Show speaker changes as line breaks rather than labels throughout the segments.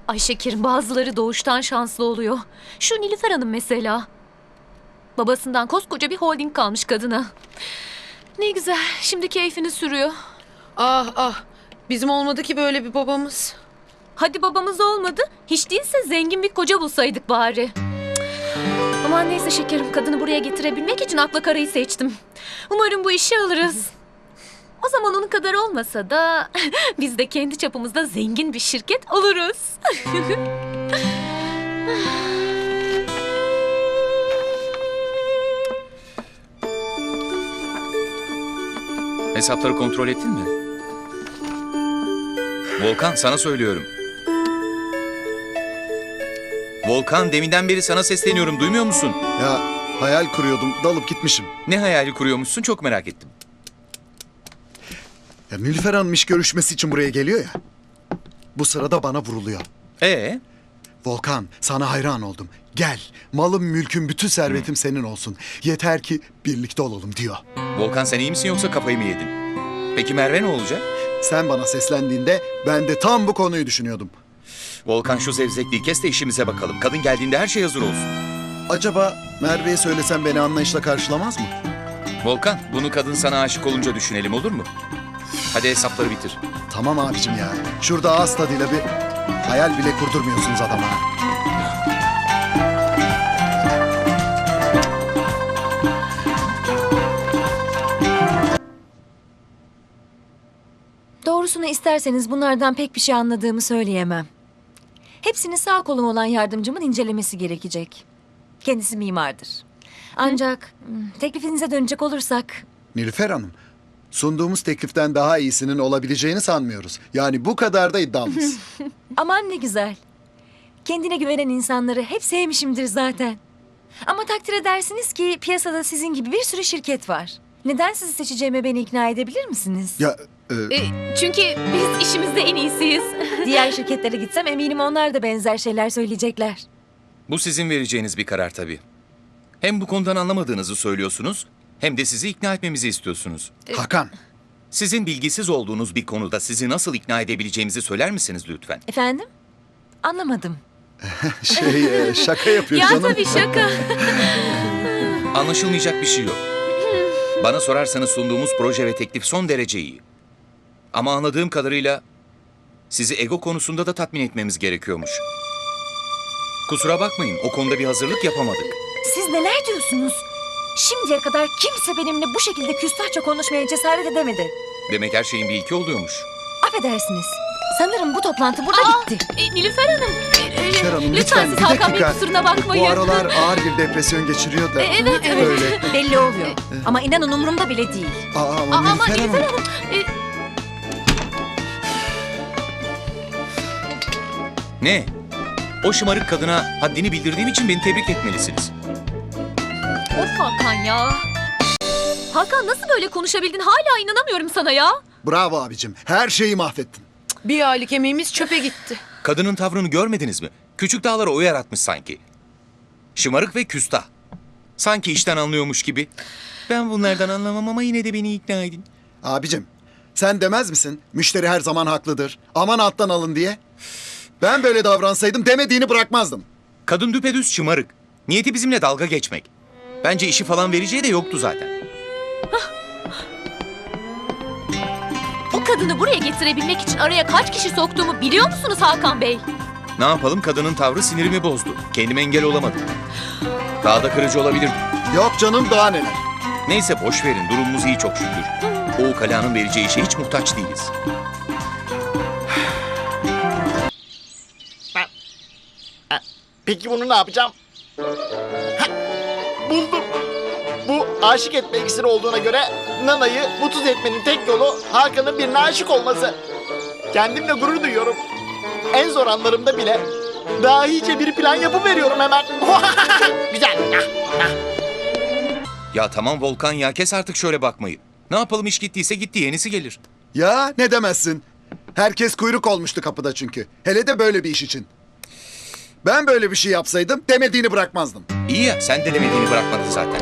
Ay şekerim, bazıları doğuştan şanslı oluyor. Şu Nilüfer Hanım mesela. Babasından koskoca bir holding kalmış kadına. Ne güzel, şimdi keyfini sürüyor.
Ah ah, bizim olmadı ki böyle bir babamız.
Hadi babamız olmadı, hiç değilse zengin bir koca bulsaydık bari. Aman neyse şekerim, kadını buraya getirebilmek için akla karayı seçtim. Umarım bu işi alırız. O zaman onun kadar olmasa da biz de kendi çapımızda zengin bir şirket oluruz.
Hesapları kontrol ettin mi? Volkan, sana söylüyorum. Volkan, deminden beri sana sesleniyorum, duymuyor musun?
Ya hayal kuruyordum, dalıp gitmişim.
Ne hayali kuruyormuşsun, çok merak ettim.
Ya Nilüfer Hanım iş görüşmesi için buraya geliyor ya. Bu sırada bana vuruluyor. Volkan, sana hayran oldum. Gel, malım, mülküm, bütün servetim senin olsun. Yeter ki birlikte olalım diyor.
Volkan, sen iyi misin yoksa kafayı mı yedin? Peki Merve ne olacak?
Sen bana seslendiğinde ben de tam bu konuyu düşünüyordum.
Volkan, şu zevzekliği kes de işimize bakalım. Kadın geldiğinde her şey hazır olsun.
Acaba Merve'ye söylesem beni anlayışla karşılamaz mı?
Volkan, bunu kadın sana aşık olunca düşünelim, olur mu? Hadi hesapları bitir.
Tamam abicim ya. Şurada ağız tadıyla bir hayal bile kurdurmuyorsunuz adama.
Doğrusunu isterseniz bunlardan pek bir şey anladığımı söyleyemem. Hepsini sağ kolum olan yardımcımın incelemesi gerekecek. Kendisi mimardır. Ancak teklifinize dönecek olursak...
Nilüfer Hanım, sunduğumuz tekliften daha iyisinin olabileceğini sanmıyoruz. Yani bu kadar da iddialıyız.
Aman ne güzel. Kendine güvenen insanları hep sevmişimdir zaten. Ama takdir edersiniz ki piyasada sizin gibi bir sürü şirket var. Neden sizi seçeceğime beni ikna edebilir misiniz?
Ya
Çünkü biz işimizde en iyisiyiz.
Diğer şirketlere gitsem eminim onlar da benzer şeyler söyleyecekler.
Bu sizin vereceğiniz bir karar tabii. Hem bu konudan anlamadığınızı söylüyorsunuz, hem de sizi ikna etmemizi istiyorsunuz.
Hakan,
Sizin bilgisiz olduğunuz bir konuda sizi nasıl ikna edebileceğimizi söyler misiniz lütfen?
Efendim? Anlamadım.
şaka yapıyor
Ya
canım.
tabii şaka.
Anlaşılmayacak bir şey yok. Bana sorarsanız sunduğumuz proje ve teklif son derece iyi. Ama anladığım kadarıyla sizi ego konusunda da tatmin etmemiz gerekiyormuş. Kusura bakmayın, o konuda bir hazırlık yapamadık.
Siz neler diyorsunuz? Şimdiye kadar kimse benimle bu şekilde küstahça konuşmaya cesaret edemedi.
Demek her şeyin bir ilki oluyormuş.
Affedersiniz. Sanırım bu toplantı burada bitti.
Nilüfer Hanım.
Nilüfer Hanım
lütfen siz
bir
Hakan Bey
dakika.
kusuruna bakmayın.
Bu aralar ağır bir depresyon geçiriyor da.
Evet.
Öyle.
Belli oluyor. Ama inanın umurumda bile değil.
Ama
Ama
Nilüfer
Nilüfer
Hanım.
Hanım.
Ne? O şımarık kadına haddini bildirdiğim için beni tebrik etmelisiniz.
Of Hakan ya. Hakan, nasıl böyle konuşabildin? Hala inanamıyorum sana ya.
Bravo abicim. Her şeyi mahvettin.
Bir aylık emeğimiz çöpe gitti.
Kadının tavrını görmediniz mi? Küçük dağlara o yaratmış sanki. Şımarık ve küstah. Sanki işten anlıyormuş gibi. Ben bunlardan anlamam ama yine de beni ikna edin.
Abicim, sen demez misin? Müşteri her zaman haklıdır. Aman alttan alın diye. Ben böyle davransaydım demediğini bırakmazdım.
Kadın düpedüz şımarık. Niyeti bizimle dalga geçmek. Bence işi falan vereceği de yoktu zaten.
O kadını buraya getirebilmek için araya kaç kişi soktuğumu biliyor musunuz Hakan Bey?
Ne yapalım, kadının tavrı sinirimi bozdu. Kendime engel olamadım. Daha da kırıcı olabilirdi.
Yok canım, daha neler.
Neyse boş verin, durumumuz iyi çok şükür. O ukalanın vereceği işe hiç muhtaç değiliz.
Peki bunu ne yapacağım? Hah, buldum. Bu aşık etme iksiri olduğuna göre Nana'yı mutsuz etmenin tek yolu Hakan'ın birine aşık olması. Kendimle gurur duyuyorum. En zor anlarımda bile dahice bir plan yapıveriyorum hemen. Güzel.
Ya tamam Volkan ya, kes artık şöyle bakmayı. Ne yapalım, iş gittiyse gitti, yenisi gelir.
Ya ne demezsin. Herkes kuyruk olmuştu kapıda çünkü. Hele de böyle bir iş için. Ben böyle bir şey yapsaydım demediğini bırakmazdım.
İyi ya, sen de demediğini bırakmadın zaten.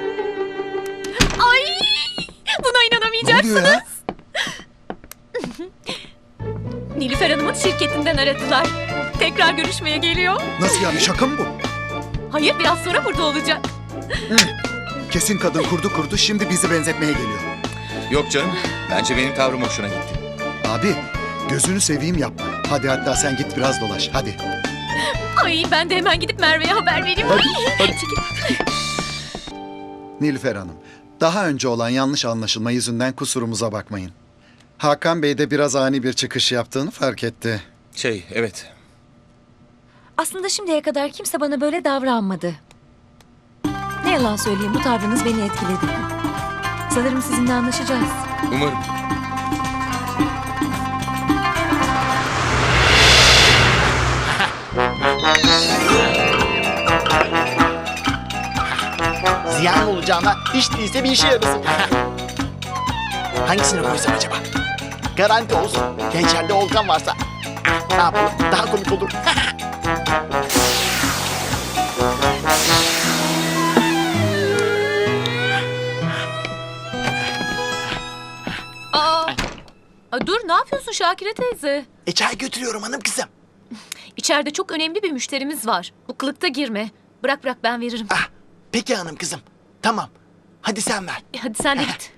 Ay! Buna
Ne
inanamayacaksınız.
oluyor ya?
Nilüfer Hanım'ın şirketinden aradılar. Tekrar görüşmeye geliyor.
Nasıl yani, şaka mı bu?
Hayır, biraz sonra burada olacak.
Kesin kadın kurdu şimdi bizi benzetmeye geliyor.
Yok canım. Bence benim tavrım hoşuna gitti.
Abi gözünü seveyim yapma. Hadi hatta sen git biraz dolaş hadi.
Ay ben de hemen gidip Merve'ye haber vereyim.
Hadi.
Çekil.
Nilüfer Hanım, daha önce olan yanlış anlaşılma yüzünden kusurumuza bakmayın. Hakan Bey de biraz ani bir çıkış yaptığını fark etti.
Evet.
Aslında şimdiye kadar kimse bana böyle davranmadı. Ne yalan söyleyeyim, bu tavrınız beni etkiledi. Sanırım sizinle anlaşacağız.
Umarım.
Ziyan olacağına hiç değilse bir işe yarasın. Hangisini koysam acaba? Garanti olsun. Ya içeride Volkan varsa. Ne yapalım? Daha komik olur.
Dur, ne yapıyorsun Şakire teyze?
Çay götürüyorum hanım kızım.
İçeride çok önemli bir müşterimiz var. Bu kılıkta girme. Bırak ben veririm.
Peki hanım kızım. Tamam. Hadi sen ver.
Hadi sen de git.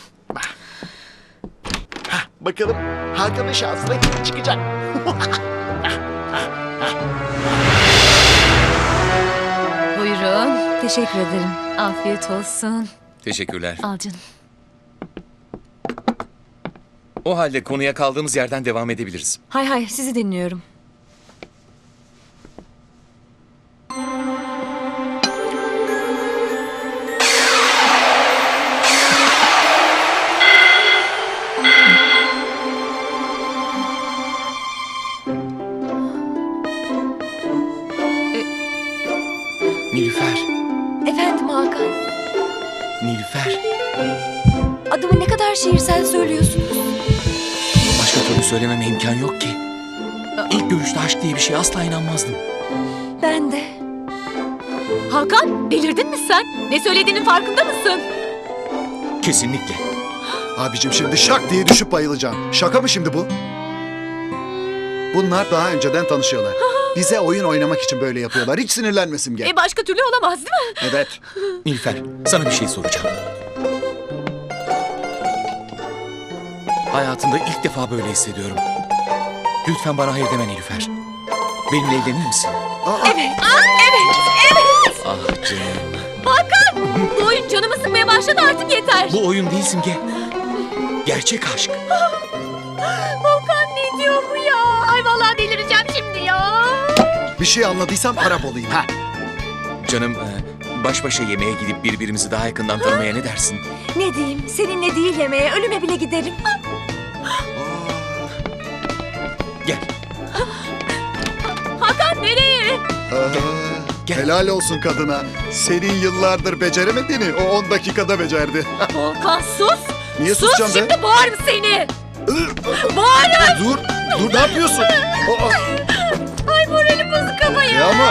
Bakalım Hakan'ın şansına kim çıkacak?
Buyurun.
Teşekkür ederim.
Afiyet olsun.
Teşekkürler.
Al canım.
O halde konuya kaldığımız yerden devam edebiliriz.
Hay sizi dinliyorum.
Nilüfer.
Efendim Hakan,
Nilüfer.
adımı ne kadar şiirsel söylüyorsunuz.
Başka türlü söylememe imkan yok ki. İlk görüşte aşk diye bir şey asla inanmazdım.
Ben de.
Hakan, delirdin mi sen? Ne söylediğinin farkında mısın?
Kesinlikle.
Abicim şimdi şak diye düşüp bayılacağım. Şaka mı şimdi bu? Bunlar daha önceden tanışıyorlar. Bize oyun oynamak için böyle yapıyorlar. Hiç sinirlenme Simge.
Başka türlü olamaz değil mi?
Evet.
Nilüfer, sana bir şey soracağım. Hayatımda ilk defa böyle hissediyorum. Lütfen bana hayır deme Nilüfer. Benimle evlenir misin?
Evet. Evet.
Ah canım.
Hakan, bu oyun canımı sıkmaya başladı, artık yeter.
Bu oyun değil Simge. Gerçek aşk.
Volkan ne diyor bu ya? Ay vallahi delireceğim şimdi ya.
Bir şey anladıysam Arap olayım ha.
Canım, baş başa yemeğe gidip birbirimizi daha yakından tanımaya ne dersin?
Ne diyeyim, seninle değil yemeğe, ölüme bile giderim.
Gel.
Hakan nereye?
Gel.
Helal olsun kadına. Senin yıllardır beceremediğini o 10 dakikada becerdi.
Volkan sus.
Niye
Sus
susacağım be?
şimdi boğarım seni. Boğarım.
Dur ne yapıyorsun?
Ay moralim bozuk ama ya.
Ya ama...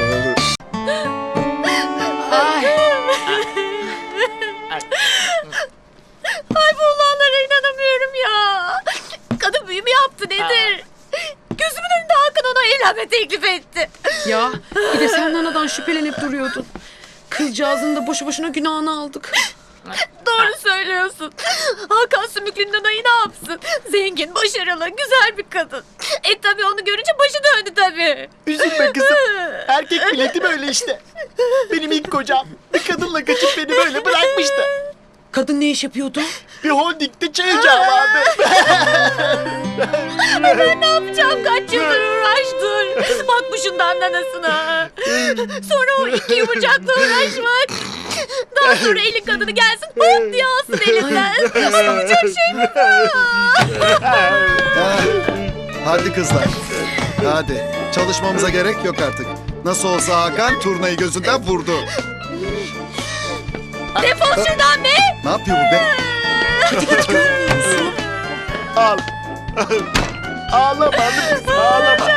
Ay bu olanlara inanamıyorum ya. Kadın büyü mü yaptı nedir? Gözümün önünde Hakan ona evlenme teklif etti.
Ya bir de sen Nana'dan şüphelenip duruyordun. Kızcağızın da boşu boşuna günahını aldık.
Doğru söylüyorsun. Hakan Sümüklü'nün Nana'yı ne yapsın? Zengin, başarılı, güzel bir kadın. Tabii onu görünce başı döndü tabii.
Üzülme kızım. Erkek milleti böyle işte. Benim ilk kocam bir kadınla kaçıp beni böyle bırakmıştı.
Kadın ne iş yapıyordu?
Bir holdingde çay ocağı vardı.
Ben ne yapacağım? Kaç yıldır uğraştım. Bakmışından nanasına. Sonra o iki yumurcakla uğraşmak. Daha sonra elin kadını gelsin hop diye alsın elinden. Yapacak şey mi
Hadi kızlar. Hadi. Çalışmamıza gerek yok artık. Nasıl olsa Hakan turnayı gözünden vurdu.
Defol şuradan be.
Ne yapıyor bu be?
Al. Ağlama hanım kızım ağlama.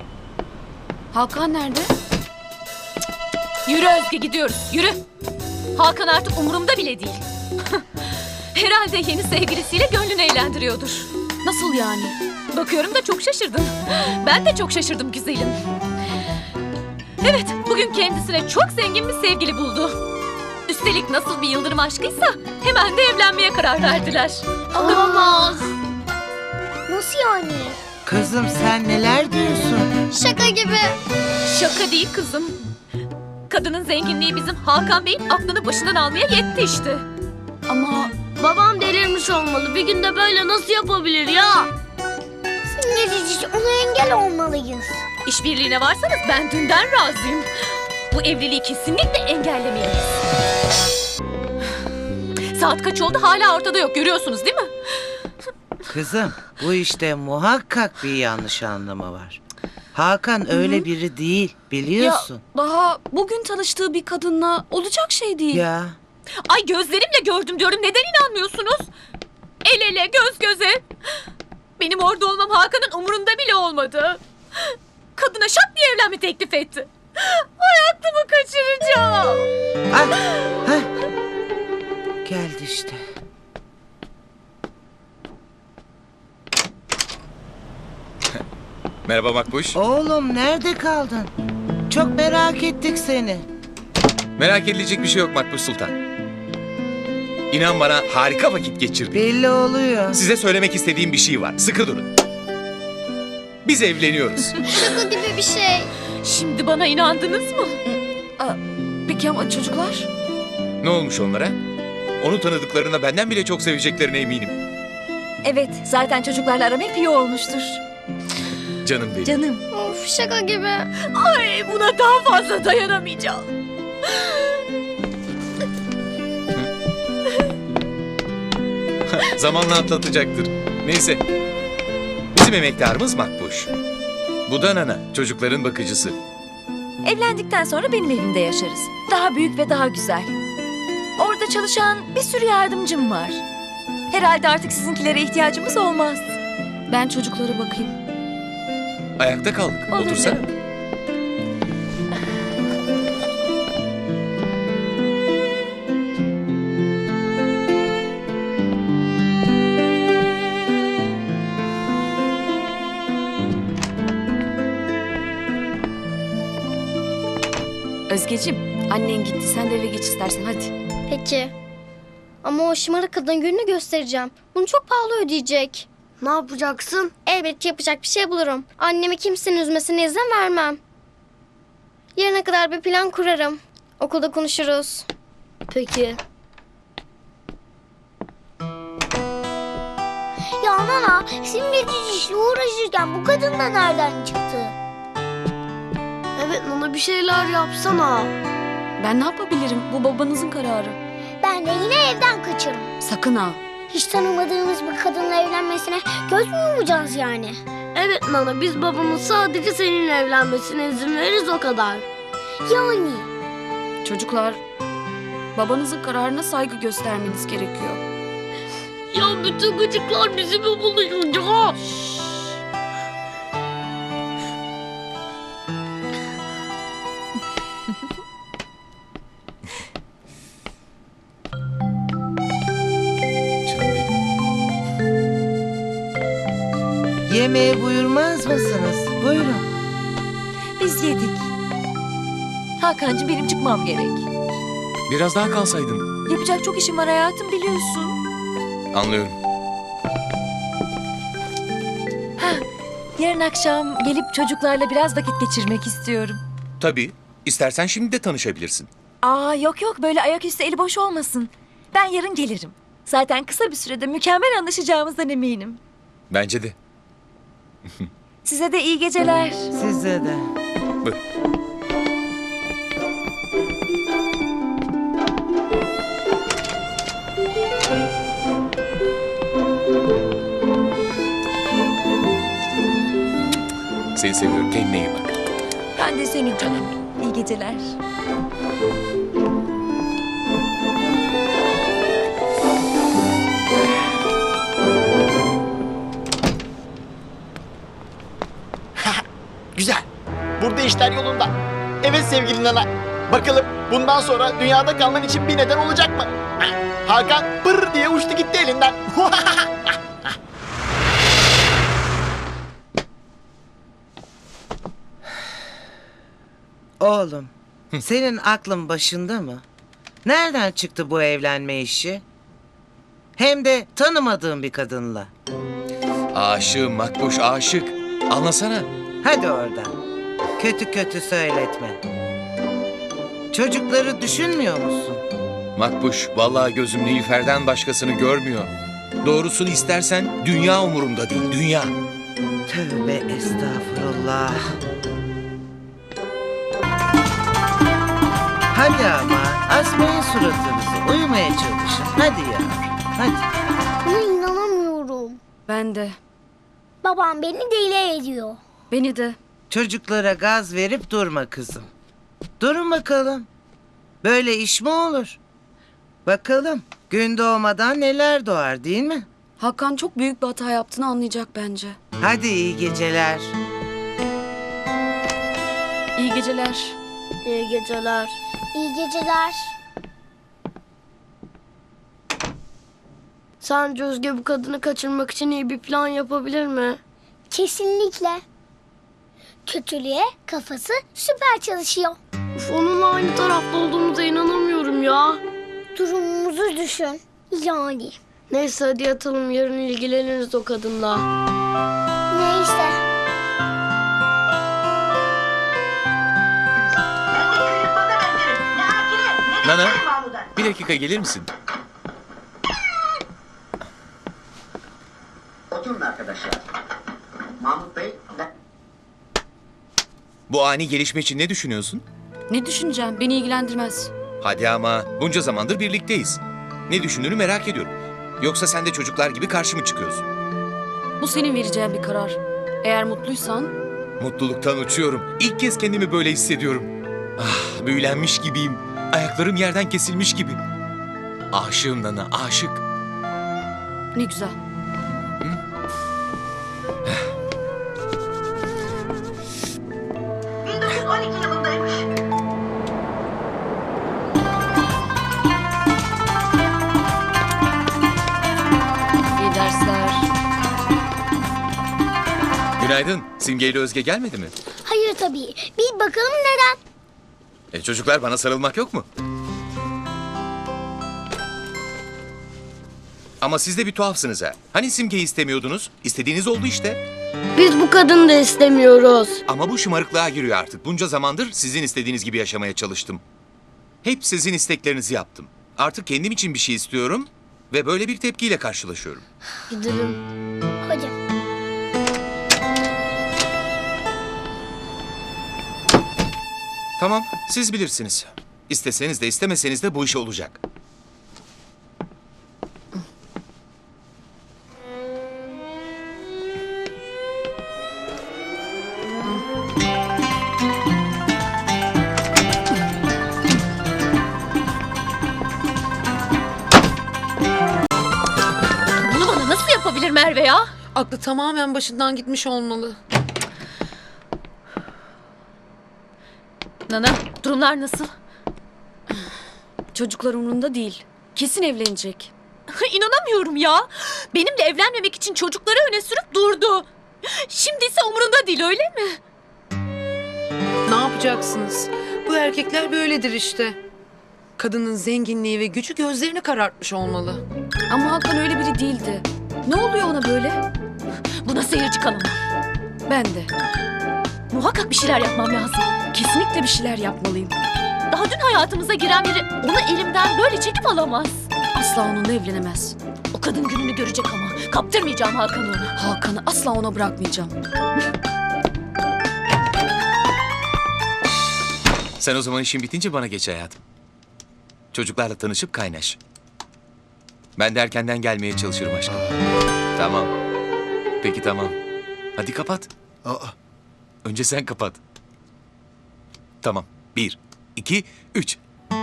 Hakan nerede?
Yürü Özge gidiyoruz. Yürü. Hakan artık umurumda bile değil. Herhalde yeni sevgilisiyle gönlünü eğlendiriyordur.
Nasıl yani?
Bakıyorum da çok şaşırdın. Ben de çok şaşırdım güzelim. Evet, bugün kendisine çok zengin bir sevgili buldu. Üstelik nasıl bir yıldırım aşkıysa hemen de evlenmeye karar verdiler.
Olamaz. Nasıl yani?
Kızım sen neler diyorsun?
Şaka gibi.
Şaka değil kızım. Kadının zenginliği bizim Hakan Bey'in aklını başından almaya yetti işte.
Ama babam delirmiş olmalı. Bir günde böyle nasıl yapabilir ya? Simgecici, ona engel olmalıyız.
İşbirliğine varsanız ben dünden razıyım. Bu evliliği kesinlikle engellemeliyiz. Saat kaç oldu hala ortada yok, görüyorsunuz değil mi?
Kızım bu işte muhakkak bir yanlış anlama var. Hakan öyle biri değil biliyorsun.
Daha bugün tanıştığı bir kadınla olacak şey değil.
Ya.
Ay gözlerimle gördüm diyorum, neden inanmıyorsunuz? El ele, göz göze. Benim orada olmam Hakan'ın umurunda bile olmadı. Kadına şak diye evlenme teklif etti. Hayatımı kaçıracağım.
Ah, heh. Geldi işte.
Merhaba Makbuş.
Oğlum nerede kaldın? Çok merak ettik seni.
Merak edilecek bir şey yok Makbuş Sultan. İnan bana harika vakit geçirdik.
Belli oluyor.
Size söylemek istediğim bir şey var. Sıkı durun. Biz evleniyoruz.
Şaka gibi bir şey.
Şimdi bana inandınız mı?
Peki ama çocuklar?
Ne olmuş onlara? Onu tanıdıklarına benden bile çok seveceklerine eminim.
Evet, zaten çocuklarla aram hep iyi olmuştur.
Canım benim.
Canım.
Of, şaka gibi.
Ay buna daha fazla dayanamayacağım.
Zamanla atlatacaktır. Neyse. Bizim emektarımız Makbuş. Bu da Nana, çocukların bakıcısı.
Evlendikten sonra benim evimde yaşarız. Daha büyük ve daha güzel. Orada çalışan bir sürü yardımcım var. Herhalde artık sizinkilere ihtiyacımız olmaz.
Ben çocuklara bakayım.
Ayakta kaldık.
Olur
Otursana.
canım.
Özgeciğim, annen gitti. Sen de eve geç istersen hadi.
Peki. Ama o şımarık kadın gününü göstereceğim. Bunu çok pahalı ödeyecek. Ne yapacaksın? Elbet yapacak bir şey bulurum. Annemi kimsenin üzmesine izin vermem. Yarına kadar bir plan kurarım. Okulda konuşuruz. Peki.
Ya Nana, simgeci işle uğraşırken bu kadın da nereden çıktı?
Evet Nana, bir şeyler yapsana.
Ben ne yapabilirim? Bu babanızın kararı.
Ben de yine evden kaçarım.
Sakın ha.
Hiç tanımadığımız bir kadınla evlenmesine göz mü yumacağız yani?
Evet Nana, biz babamın sadece seninle evlenmesine izin veririz, o kadar.
Yani
Çocuklar, babanızın kararına saygı göstermeniz gerekiyor.
Ya bütün gıcıklar bizi mi buluşacak?
Canım benim.
Yemeğe buyurmaz mısınız? Buyurun.
Biz yedik. Hakan'cığım benim çıkmam gerek.
Biraz daha kalsaydın.
Yapacak çok işim var hayatım biliyorsun.
Anlıyorum.
Yarın akşam gelip çocuklarla biraz vakit geçirmek istiyorum.
Tabii. İstersen şimdi de tanışabilirsin.
Aa yok yok böyle ayaküstü eli boş olmasın. Ben yarın gelirim. Zaten kısa bir sürede mükemmel anlaşacağımızdan eminim.
Bence de.
Size de iyi geceler.
Size de.
Buyur. Seni seviyorum. Kendine iyi bak.
Ben de seni canım. İyi geceler.
Güzel. Burada işler yolunda. Evet sevgili Nana. Bakalım bundan sonra dünyada kalman için bir neden olacak mı? Hakan pır diye uçtu gitti elinden.
Oğlum, senin aklın başında mı? Nereden çıktı bu evlenme işi? Hem de tanımadığın bir kadınla.
Aşığım Makbuş, aşık. Anlasana.
Hadi oradan. Kötü kötü söyletme. Çocukları düşünmüyor musun?
Makbuş, vallahi gözüm Nilüfer'den başkasını görmüyor. Doğrusunu istersen dünya umurumda değil, dünya.
Tövbe estağfurullah. Hadi ama asmayın suratınızı. Uyumaya çalışın. Hadi ya. Hadi.
Buna inanamıyorum.
Ben de.
Babam beni deli ediyor.
Beni de.
Çocuklara gaz verip durma kızım. Durun bakalım. Böyle iş mi olur? Bakalım gün doğmadan neler doğar değil mi?
Hakan çok büyük bir hata yaptığını anlayacak bence.
Hadi iyi geceler.
İyi geceler.
İyi geceler.
İyi geceler.
Sence Özge bu kadını kaçırmak için iyi bir plan yapabilir mi?
Kesinlikle. Kötülüğe kafası süper çalışıyor.
Uf, onunla aynı tarafta olduğumuza inanamıyorum ya.
Durumumuzu düşün. Yani.
Neyse hadi yatalım, yarın ilgileniriz o kadınla.
Neyse.
Nana, bir dakika gelir misin?
Oturun arkadaşlar. Mahmut Bey,
Bu ani gelişme için ne düşünüyorsun?
Ne düşüneceğim? Beni ilgilendirmez.
Hadi ama bunca zamandır birlikteyiz. Ne düşündüğünü merak ediyorum. Yoksa sen de çocuklar gibi karşı mı çıkıyorsun?
Bu senin vereceğin bir karar. Eğer mutluysan
Mutluluktan uçuyorum. İlk kez kendimi böyle hissediyorum. Ah, büyülenmiş gibiyim. Ayaklarım yerden kesilmiş gibi. Aşığım Nana, aşık.
ne güzel. İyi dersler.
Günaydın. Simge ile Özge gelmedi mi?
Hayır tabii. Bir bakalım neden?
Çocuklar bana sarılmak yok mu? Ama siz de bir tuhafsınız ha. Hani Simge'yi istemiyordunuz? İstediğiniz oldu işte.
Biz bu kadını da istemiyoruz.
Ama bu şımarıklığa giriyor artık. Bunca zamandır sizin istediğiniz gibi yaşamaya çalıştım. Hep sizin isteklerinizi yaptım. Artık kendim için bir şey istiyorum ve böyle bir tepkiyle karşılaşıyorum.
Gidelim.
Hocam.
Tamam, siz bilirsiniz. İsteseniz de istemeseniz de bu iş olacak.
Bunu bana nasıl yapabilir Merve ya?
Aklı tamamen başından gitmiş olmalı.
Nana, durumlar nasıl?
Çocuklar umurunda değil. Kesin evlenecek.
İnanamıyorum ya. Benimle evlenmemek için çocukları öne sürüp durdu. Şimdi ise umurunda değil, öyle mi?
Ne yapacaksınız? Bu erkekler böyledir işte. Kadının zenginliği ve gücü gözlerini karartmış olmalı. Ama Hakan öyle biri değildi. Ne oluyor ona böyle?
Buna seyirci kalamam.
Ben de.
Muhakkak bir şeyler yapmam lazım.
Kesinlikle bir şeyler yapmalıyım.
Daha dün hayatımıza giren biri onu elimden böyle çekip alamaz.
Asla onunla evlenemez.
O kadın gününü görecek ama. Kaptırmayacağım Hakan'ı ona.
Hakan'ı asla ona bırakmayacağım.
Sen o zaman işin bitince bana geç hayatım. Çocuklarla tanışıp kaynaş. Ben de erkenden gelmeye çalışırım aşkım. Tamam. Peki tamam. Hadi kapat.
Aa,
Önce sen kapat. Tamam. 1, 2, 3.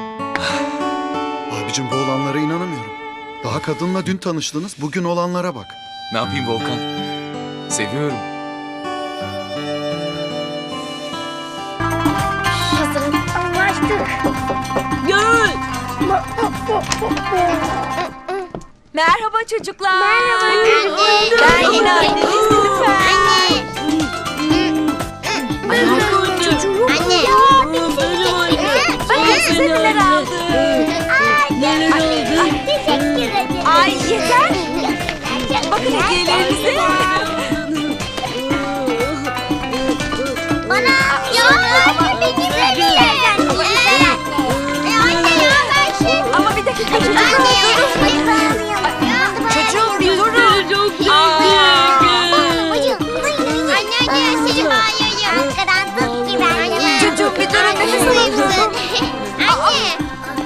abicim bu olanlara inanamıyorum. Daha kadınla dün tanıştınız, bugün olanlara bak.
Ne yapayım Volkan? Seviyorum.
Hazırım. Anlaştık.
Merhaba çocuklar.
Merhaba.
Ben yine anneniz Nilüfer. Bakın size neler aldım.
Teşekkür ederim.
Ay yeter. Bakın hediyelerinize.
Bana ya beni verirler. Anne ya ben şey.
Ama bir dakika çocuklar. Çocuğum bir durun.
Anne seni bağırıyorum. Arkadan tut gibi anne.
Çocuğum bir durun nefes alın.
Anne.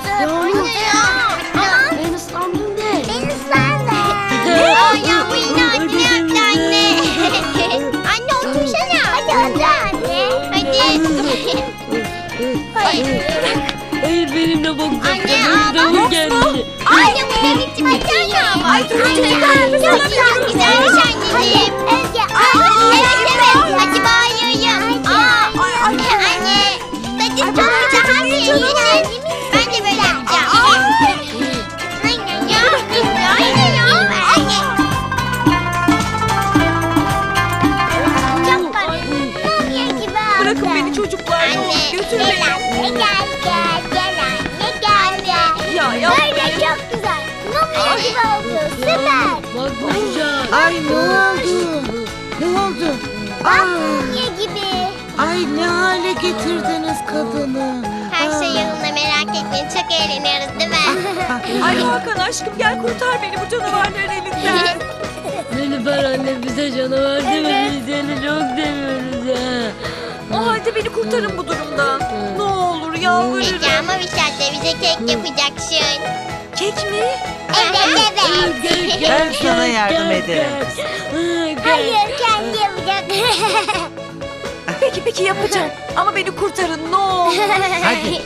Ben ıslandım de. Ben ıslandım. Ya bu yine anne yaptı anne. Anne otursana. Hadi anne. Hadi.
Hayır benim de bok
Anne
davul geldi.
Anne bu ne biçim açana? Ay çok güzelmiş anneciğim. Evet evet. Hadi bağırıyorum. Anne. Hadi çok güzel. Hadi. Ben de böyle yapacağım. Aynen ya. Aynen ya. Çok var. Mumya gibi aldı.
Bırakın beni çocuklar.
Anne.
Götür beni.
Gel anne gel.
Ya
Böyle çok güzel. Mumya gibi oldu. Süper.
Bak Burcu.
Ay ne oldu? Ne oldu?
Bak mumya gibi.
Ay ne hale getirdiniz kadını.
Her şey yolunda merak etmeyin. Çok eğleniyoruz değil mi?
Ay Hakan aşkım gel kurtar beni bu canavarların elinden.
Nilüfer anne bize canavar deme. Biz seni çok seviyoruz ha.
O halde beni kurtarın bu durumdan. Ne olur yalvarırım.
Peki ama bir şartla bize kek yapacaksın.
Kek mi?
Evet evet.
Ben sana yardım ederim.
Hayır kendi yapacak.
Peki yapacağım. Ama beni kurtarın ne olur.
Hadi.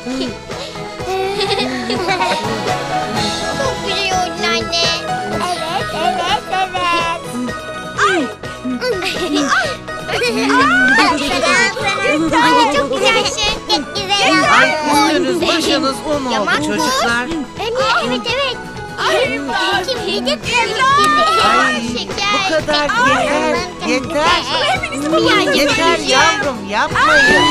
Çok güzel oldun anne. Evet. Anne çok güzelsin. Çok güzel
Ay
oldun.
üstünüz başınız un oldu çocuklar.
Evet evet. Kim yedi
Ay bu kadar yeter. Yeter. Yeter yavrum yapmayın.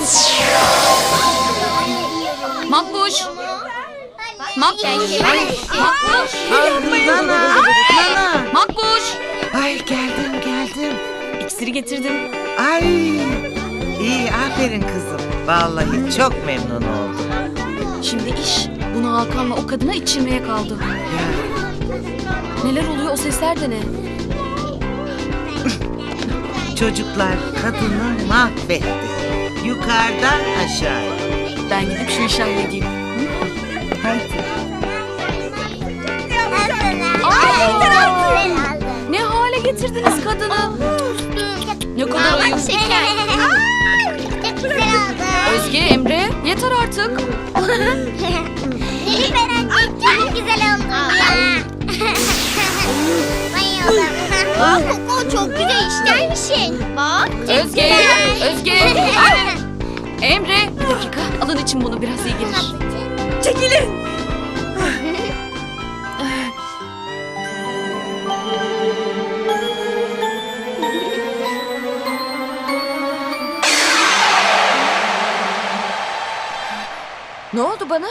Makbuş. Makbuş. Makbuş.
Nana. Nana.
Makbuş.
Ay geldim.
İksiri getirdim.
Ay. İyi aferin kızım. Vallahi çok memnun oldum.
Şimdi iş bunu Hakan'la o kadına içirmeye kaldı. Neler oluyor o sesler de ne?
Çocuklar kadını mahvetti. Yukarıdan aşağıya.
Ben gidip şu işi halledeyim.
Hadi.
Ne hale getirdiniz kadını? Ne kadar ayıp.
Şeker. Çok güzel oldu.
Özge, Emre yeter artık.
Nilüfer anne çok güzel oldu. Bayıldım. Bak Koko çok güzel ister misin? Bak.
Özge, Özge. Emre, bir dakika. Alın için bunu biraz iyi gelir.
Çekilin. Ne oldu bana?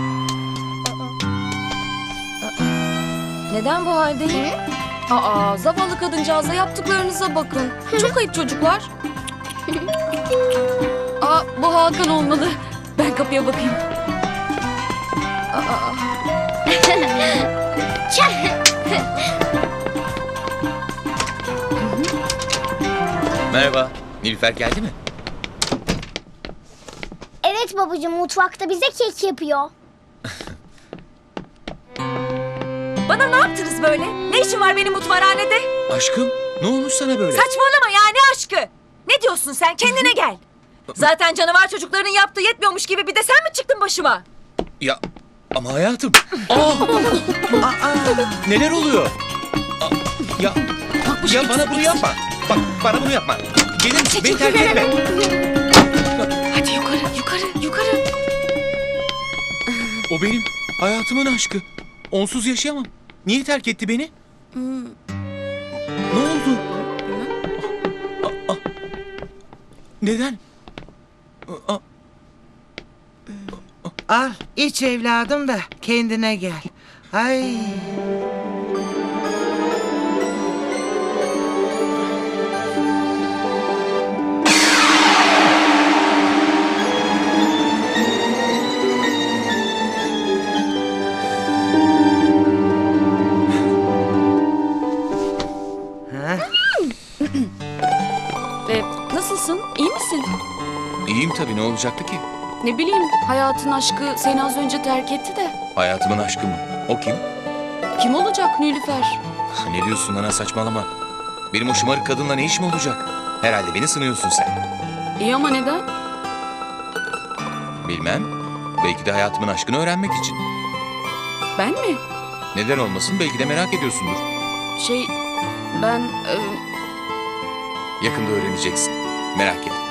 Neden bu haldeyim? Zavallı kadıncağıza yaptıklarınıza bakın. Çok ayıp çocuklar. Bu Hakan olmalı. Ben kapıya bakayım.
Merhaba. Nilüfer geldi mi?
Evet babacığım mutfakta bize kek yapıyor.
Bana ne yaptınız böyle? Ne işin var benim mutfakhanede?
Aşkım ne olmuş sana böyle?
Saçmalama ya ne aşkı? Ne diyorsun sen? Kendine gel. Zaten canavar çocukların yaptığı yetmiyormuş gibi bir de sen mi çıktın başıma?
Ya ama hayatım. Neler oluyor? Ya bana bunu yapma. Bak bana bunu yapma. Gelir misin? Beni terk etme.
Hadi yukarı.
O benim Hayatımın aşkı. Onsuz yaşayamam. Niye terk etti beni? Ne oldu? Neden?
Al iç evladım da kendine gel. Ay.
Nasılsın? İyi misin?
İyiyim tabii, ne olacaktı ki?
Ne bileyim, hayatın aşkı seni az önce terk etti de.
Hayatımın aşkı mı? O kim?
Kim olacak Nilüfer?
Ne diyorsun ana, saçmalama. Benim o şımarık kadınla ne işim olacak? Herhalde beni sınıyorsun sen.
İyi ama neden?
Bilmem. Belki de hayatımın aşkını öğrenmek için.
Ben mi?
Neden olmasın, belki de merak ediyorsundur.
Ben...
Yakında öğreneceksin. Merak etme.